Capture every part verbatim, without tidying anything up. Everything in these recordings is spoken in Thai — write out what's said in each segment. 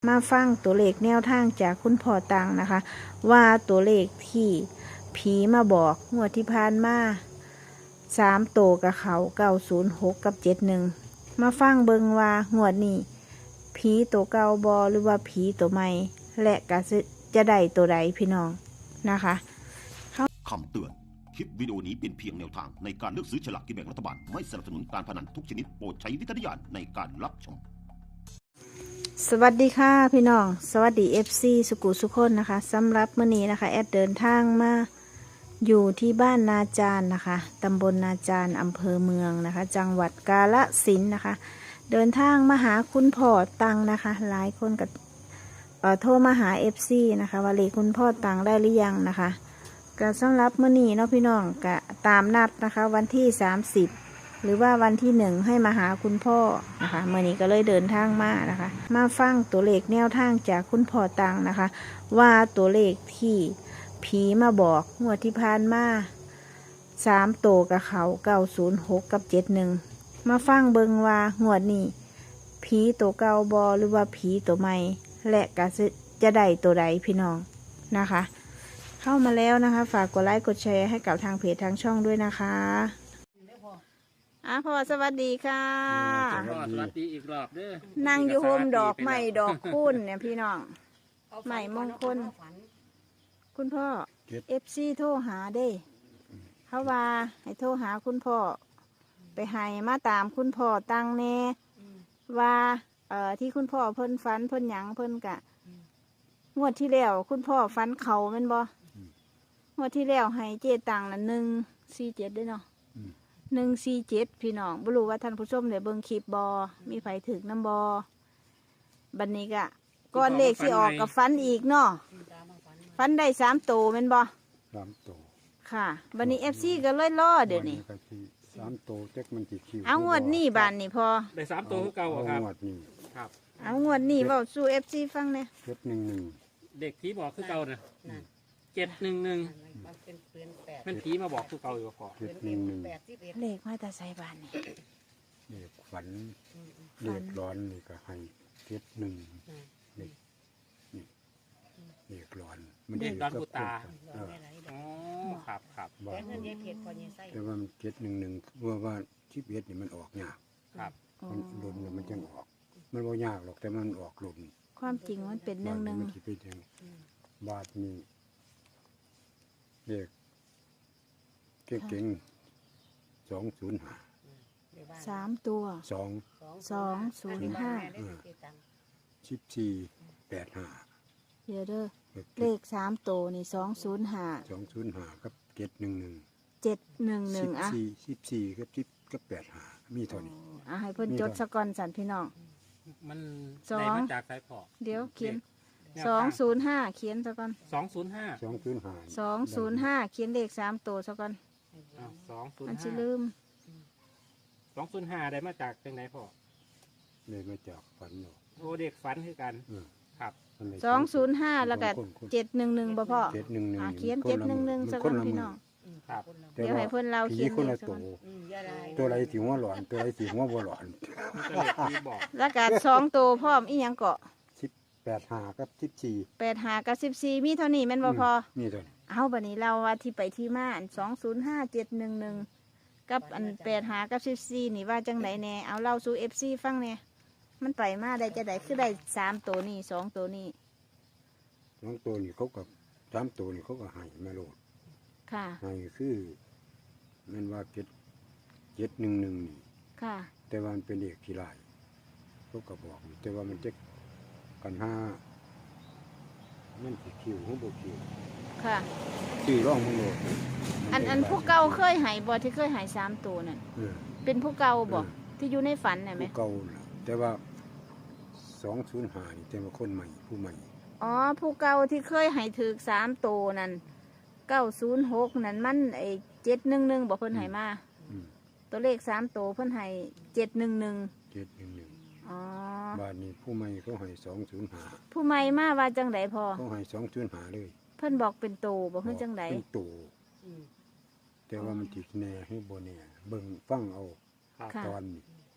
มาฟังตัวเลขแนวทางจากคุณพ่อตังนะคะว่าตัวเลขที่ผีมาบอกงวดที่ผ่านมาสามโตกับเขาเก้าศูนย์หกกับเจ็ดหนึ่งมาฟังเบิงว่างวดนี้ผีตัวเก่าบอหรือว่าผีตัวใหม่และก็จะได้ตัวใดพี่น้องนะคะคำเตือนคลิปวิดีโอนี้เป็นเพียงแนวทางในการเลือกซื้อฉลากกินแบ่งรัฐบาลไม่สนับสนุนการพนันทุกชนิดโปรดใช้วิจารณญาณในการรับชมสวัสดีค่ะพี่น้องสวัสดี เอฟ ซี สุกุสุคนนะคะสำหรับมื้อนี้นะคะแอดเดินทางมาอยู่ที่บ้านนาจารนะคะตำบลนาจารอำเภอเมืองนะคะจังหวัดกาฬสินธุ์นะคะเดินทางมาหาคุณพ่อตังนะคะหลายคนกับเอ่อโทรมาหา เอฟ ซี นะคะว่าเลขคุณพ่อตังได้หรือยังนะคะก็สำหรับมื้อนี้เนาะพี่น้องก็ตามนัดนะคะวันที่สามสิบหรือว่าวันที่หนึ่งให้มาหาคุณพ่อนะคะเมื่อนี้ก็เลยเดินทางมานะคะมาฟังตัวเลขแนวทางจากคุณพ่อตังนะคะว่าตัวเลขที่ผีมาบอกงวดที่ผ่านมาสามโตกับเขาเก้าศูนย์หกกับเจ็ดหนึ่งมาฟังเบิงว่างวดนี้ผีตัวเก่าบอหรือว่าผีตัวใหม่และก็จะได้ตัวใดพี่น้องนะคะเข้ามาแล้วนะคะฝากกดไลค์กดแชร์ให้กับทางเพจทางช่องด้วยนะคะอ่ะพ่อสวัสดีค่ะสวัสดีอีกรอบเด้อนั่งอยู่โฮมดอกไม้ดอกคุ้นเนี่ยพี่น้องใหม่มงคลคุณพ่อเอฟซีโทรหาเด้เขาว่าให้โทรหาคุณพ่อไปให้มาตามคุณพ่อตังแน่ว่าเอ่อที่คุณพ่อเพิ่นฝันเพิ่นหยังเพิ่นกะงวดที่แล้วคุณพ่อฝันเขาแม่นบ่งวดที่แล้วให้เจตังละหนึ่งสี่เจ็ดด้วยเนาะหนึ่งสี่เจ็ดพี่น้องบ่รู้ว่าท่านผู้ชมได้เบิ่งคลิปบอมีไผถึกน้ำบอบัดนี้กะก้อนเลขสิออกกับฟันอีกเนาะฟันได้สามโตแม่นบอสามโตค่ะบัดนี้เอฟซีก็เลยล่อเดี๋ยวนี้สามโตเจ๊กมันจีคิวเอางวดนี้บานนี่พอได้สามตัวคือเก่าครับงวดนี้ครับเอางวดนี้เว้าสู่เอฟซีฟังเนี่ยเจ็ดหนึ่งหนึ่งเด็กผีบอกคือเก่านะเจ็ดหนึ่งหนึ่งมันผีมาบอกคือเก่าอยู่ก่อนเจ็ดหนึ่งหนึ่งเลขมาแต่ใส่บานนี่เด็กฝันเด็กร้อนนี่ก็ให้เจ็ดหนึ่งเด็กนี่เด็กร้อนมันเด็กร้อนกูตาอ๋อครับครับแต่ว่ามันเจ็ดหนึ่งหนึ่งว่าว่าชิปเอ็ดนี่มันออกยากครับมันหล่นมันจังออกมันว่ายากหรอกแต่มันออกหล่นความจริงมันเป็นหนึ่งหนึ่งมันเป็นอย่างบาทนี่เด็กเก่งๆสองศูนย์ห้าสามตัวสองสองศูนย์ห้าสิบสี่แปดห้าเดี๋ยวเด้อเลขสามตัวนี่สองศูนย์ห้าสองศูนย์ห้ากับเจ็ดหนึ่งหนึ่งเจ็ดหนึ่งหนึ่งอ่ะสิบสี่สิบสี่กับสิบกับแปดห้ามีเท่านี้อ่ะให้เพิ่นจดสกอนสันพี่น้องมันได้มาจากสายพอเดี๋ยวเขียนสองศูนย์ห้าเขียนสกอนสองศูนย์ห้าสองศูนย์ห้าสองศูนย์ห้าเขียนเลขสามตัวสกอนสองศูนย์มันจะห้าลืมสองศูนย์ห้าได้มาจากจังไหนพ่อเลยมาจากฝันโอ้เด็กฝันคือกันครับสองศูนย์ห้าแล้วก็เจ็ดหนึ่งหนึ่งบ่พ่อเจ็ดหนึ่งหนึ่งเขียนเจ็ดหนึ่งหนึ่งสกอนพี่น้องครับเดี๋ยวให้เพิ่นเราเขียนคนละตัวตัวไรสีหัวหลอนตัวไรสีหัวบัวหลอนแล้วก็สองตัวพร้อมอีหยังเกาะสิบแปดหากับสิบสี่แปดหากับสิบสี่มีเท่านี้แม่นบ่พอมีเท่านี้เอาบัดนี้เราว่าที่ไปที่มาอันสองศูนย์ห้าเจ็ดหนึ่งหนึ่งกับอันแปดหากับสิบสี่นี่ว่าจังไหนแน่เอาเล่าสู่เอฟซีฟังเนี่ยมันไปมาได้จะได้คือได้สามตัวนี่สองตัวนี่สองตัวนี่เขากับสามตัวนี่เขาก็ให้มาโลดค่ะให้คือมันว่าเจ็ดเจ็ดหนึ่งหนึ่งนี่ค่ะแต่ว่ามันเป็นเด็กขี้ลายเขาก็บอกแต่ว่ามันเจ็กกันห้ามันสิคิวหัวโบคิวค่ะชื่อร่องมึงโลดอันอันผู้เก่าเคยหายบ่ที่เคยหายสามตัวนั่นเป็นผู้เก่าบ่ที่อยู่ในฝันน่ะไหมผู้เก่าแต่ว่าสองศูนย์ห้านี่แต่ว่าคนใหม่ผู้ใหม่อ๋อผู้เก่าที่เคยหายถือสามตัวนั่นเก้าศูนย์หกนั่นมันไอเจ็ดหนึ่งหนึ่งบอกเพิ่นหายมาตัวเลขสามตัวเพิ่นหายเจ็ดหนึ่งหนึ่งเจ็ดหนึ่งหนึ่งอ๋อบาทนี้ผู้ใหม่เขาหายสองศูนย์ห้าผู้ใหม่มาว่าจังไดพอเขาหายสองศูนย์ห้าเลยเพิ่นบอกเป็นโตบอกเพิ่นจังไดเป็นโตแต่ว่ามันติดแน่ให้โบแน่เบิ่งฟังเอาตอนนี้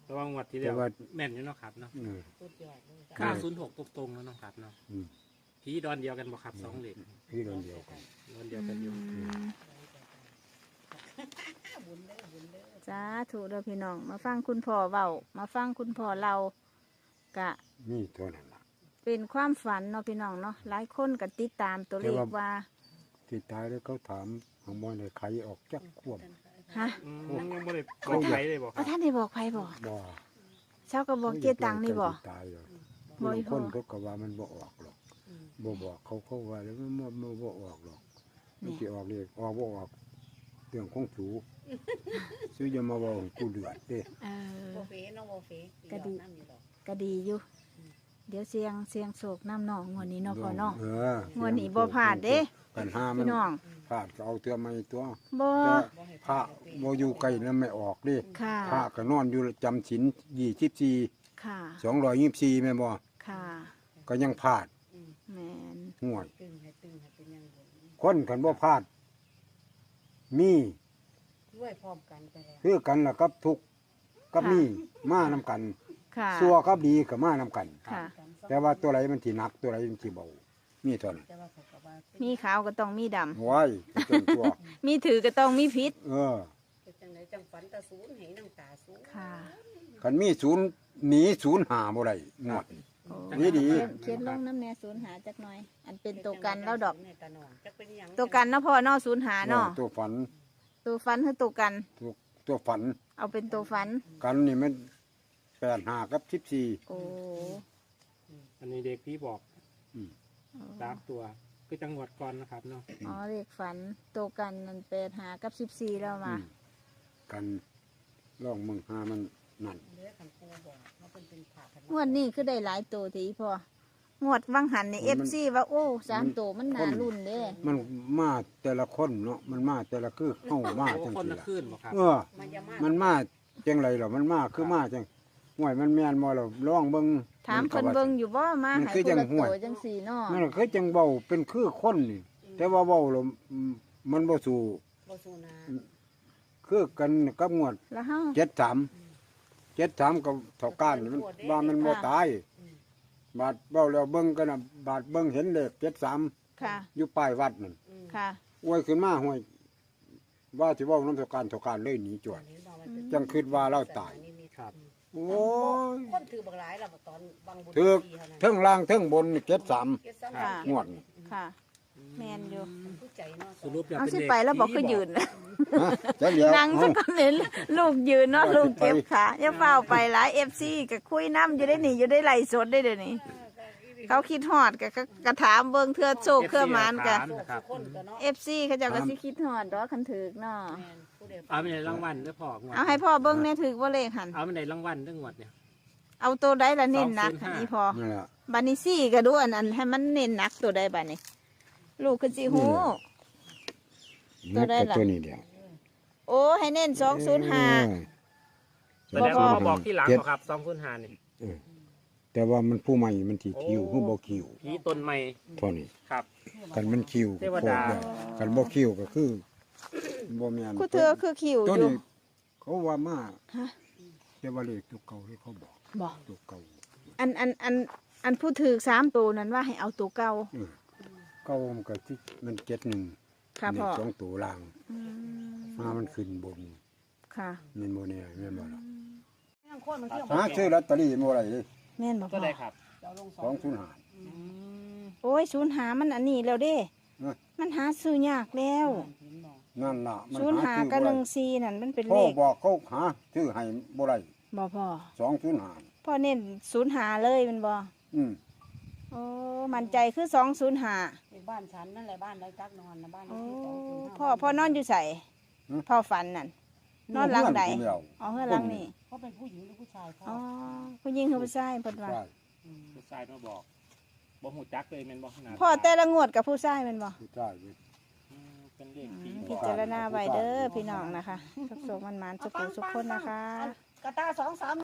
ระวังวัดที่เดียวแต่ว่าแม่นอยู่เนาะครับเนาะเออสุดยอดเลยค่ะห้าศูนย์หกตรงๆแล้วเนาะครับเนาะอืมผีดอนเดียวกันบ่ครับสองเหล็กพี่เดียวเดียวกันดอนเดียวกันอยู่อืมบุญเด้อบุญเด้อสาธุเด้อพี่น้อง มาฟังคุณพ่อเว้ามาฟังคุณพ่อเรากะนี่เท่านั้นล่ะเป็นความฝันเนาะพี่น้องเนาะหลายคนก็ติดตามตัวเลขว่าที่ตายแล้วเขาถามหางมอยในใครออกจักควบฮะอืมยังยังบ่ได้บอกใครเลยบ่คเอารับท่านได้บอกไผบ่บ่เช้าก็บอกเกตังนี่บ่ตายเลยบ่บางอีคพ่อนเขาก็ว่ามันบ่ออกหรอกบ่บอกเขาเขาว่าแล้วมันบ่บ่บ่ออกหรอกมันสิออกเลยออกบ่ออกเรื่องของสูซื้ออย่ามาเว้าให้กูเดือดเด้เออโบเฟ่น้องโบเฟ่ก็ดีน้ำอยู่ดอกก็ดีอยู่ เดี๋ยวเสียงเสียงโศกน้ำหนองงวดนี้เนาะพ่อเนาะเอองวดนี้บ่พลาดเด้ปัญหามัพี่นน้องพลาดก็เอาเตือมาอีกตัวบ่แต่พระบ่อยู่ไกลแล้วไม่ออกเดิค่ะพระก็นอนอยู่จำศีลยี่สิบสี่ค่ะสองร้อยยี่สิบสี่แม่นบ่ค่ะก็ยังพลาดแม่นห่วยตึงให้ตึงให้เป็นอยังบุญคนกันบ่พลาด มีด้วยพร้อมกันไปแล้วคือกันล่ะกับทุกข์กับมีมานํกันค่ะชั่วกับดีก็มานํกันค่ะแต่ว่าตัวไหนมันสิหนักตัวไหนมันสิเบามีเท่านั้นแต่ว่าเขาก็ว่ามีขาวก็ต้องมีดำโว้ยจนตัวมีถือก็ต้องมีพิษเออเป็นจังไหนจังฝันตาศูนย์ให้น้ำตาศูนย์ค่ะคันมีศูนย์หนีศูนย์หาบ่ได้งวดโอ้ดีดีเขียนเขียนลงน้ำแน่ศูนย์หาจักหน่อย อันเป็นตัวกันแล้วดอกในตาหนองจักเป็นหยังตัวกันเนาะพ่อเนาะศูนย์หาเนาะเออตัวฝันตัวฟันคือตัวกันตัวตัวฝันเอาเป็นตัวฟันกันนี่มันแปดห้ากับสิบสี่โอ้อันนี้เด็กพี่บอกอืมสามตัวคือจังหวัดก่อนนะครับเนาะอ๋อเลขฝันตัวกันนั่นแปดหากับสิบสี่แล้วมากันล่องมึงหามันนั่นเด้อคันปูบอกเขาเป็นเป็นผ่าพันงวดนี้คือได้หลายตัวทีพองวดวังหันในเอฟซีว่าโอ้สามตัวมันน่ารุ่นเด้มันมาแต่ละคนเนาะมันมาแต่ละคือเข้ามาโอ้จังคนสิละล่ะขึ้นบ่ครับเออมันจะมามันมาจังไรหรอมันมาคือมาจังห่วยมันแม่นบ่เราล่องเบิ่งถามเพิ่นเบิ่งอยู่บ่มามันให้คือคนจังละห้วยตัวจังสี่เนาะมันคือจังเบาเป็นคือคนนี่ แต่ว่าเบาแล้วมันบ่สู่บ่สูนาคือกันกับงวดแล้วเฮาเจ็ดสามเจ็ดสามกับเท่าก้านนี่มันว่ามันบ่ตาย บาดเบาแล้วเบิ่งกันน่ะบาดเบิ่งเห็นเลขเจ็ดสามค่ะอยู่ป้ายวัดนั่นค่ะอวยขึ้นมาห่วยว่าสิเว้าน้ำเท่าการเท่าการเลยหนีจวด จังคิดว่าเราตายครับโอ้ยคนถือบักหลายแล้วตอนบางบุญถือปีเท่านั้นเทิงล่างเทิงบนเจ็ดสามเก็บซ้ำค่ะงวดนี่ค่ะ แม่นอยู่ผู้ใจเนาะสรุปแล้วเอาเป็นสิเด็กไปแล้วบอกคือผียืนฮะจะเหลียวนั่งสักคนเห็นลูกยืนเนาะว่าลูกสิไปเก็บขาอย่าเฝ้าไปหลายเอฟซีก็คุยน้ำอยู่ได้นี่อยู่ได้ไหลฟ์สดได้เดี๋ยวนี้ เขาคิดฮอดก็ก็กระถามเบิ่งเทื่อโชคเทื่อหมานก็นะครับคนก็เนาะเอฟซีเขาเจ้าก็สิคิดฮอดดอกคันถึกเนาะแม่นผู้ใดเอาไปในรางวัลเด้อพ่องวดเอาให้พ่อเบิ่งแน่ถึกบ่เลขหันเอาไปในรางวัลเด้องวดเนี่ยเอาตัวใดละเน้นหนักสองศูนย์ห้านี่พอนั่นแหละบัดนี้ซี่ก็ดูอันนั้นให้มันเน้นหนักตัวใดบัดนี้ ลูกคือสิฮู้ ตัวใดล่ะตัวนี้เดียวโอ้ให้เน้นสองศูนย์ห้าแสดงว่ามาบอกที่หลังเจ็ดบ่ครับสองคุณหานี่เออแต่ว่ามันผู้ใหม่มันที่คิวโอ้ผู้บ่คิวผีต้นใหม่เท่านี้ครับกันมันคิวเทวดาโคตรได้กันบ่คิวก็คือบ่แม่นคู่เธอคือคิวตัวอยู่นี้เขาว่ามาฮะแต่ว่าเลขตัวเก่าที่เขาบอกบ่ตัวเก่าอันอันอันอันผู้ถือสามตัวนั้นว่าให้เอาตัวเก่าเออเก่ามันก็ที่มันเจ็ดหนึ่งค่ะพ่อสองตัวล่างอืมมามันขึ้นบนค่ะแม่นบ่แน่แม่นบ่ล่ะทั้งคนมันเที่ยวหาซื้อลอตเตอรี่บ่ได้เลยแม่นบ่ก็พ่อได้ครับเราลงสสออง งศูนย์ห้าโอ้ยศูนย์หามันอันนี้แล้วเด้เอ้ยมันหาซื้อยากแล้วนั่นล่ะมันศูนย์หาซื้อกับบ่หได้นึ่งสี่นั่นมันเป็นพ่เลอขบอกเขาหาซื้อให้บ่ได้บ่พ่อสองศูนย์ห้าพ่อเน้นศูนย์หาเลยแมันบ่อืมโอ้มั่นใจคือสองศูนย์หาบ้านฉันนั่นแหละบ้านไรจักนอนนะบ้านโอ้ที่สองศูนย์ห้าพ่อพ่อนอนอยู่ใส่พ่อฝันนั่นนอนหลังใดเพื่อนผู้เดียวอ๋อเฮือนหลังนี่เขาเป็นผู้หญิงหรือผู้ชายพ่ออ๋อผู้หญิงคือผู้ชายเพิ่นว่าใช่ผู้ชายมาบอกบ่หูจักเลยแม่นบ่ขนาดพ่อแต่ละงวดกับผู้ชายแมันบ่ใช่เว้ยอืมเป็นเลขผีพิจารณาไว้เด้อพี่น้องนะคะทุกโศกมันหมานสุขสุขคนนะคะกระตาสองสาม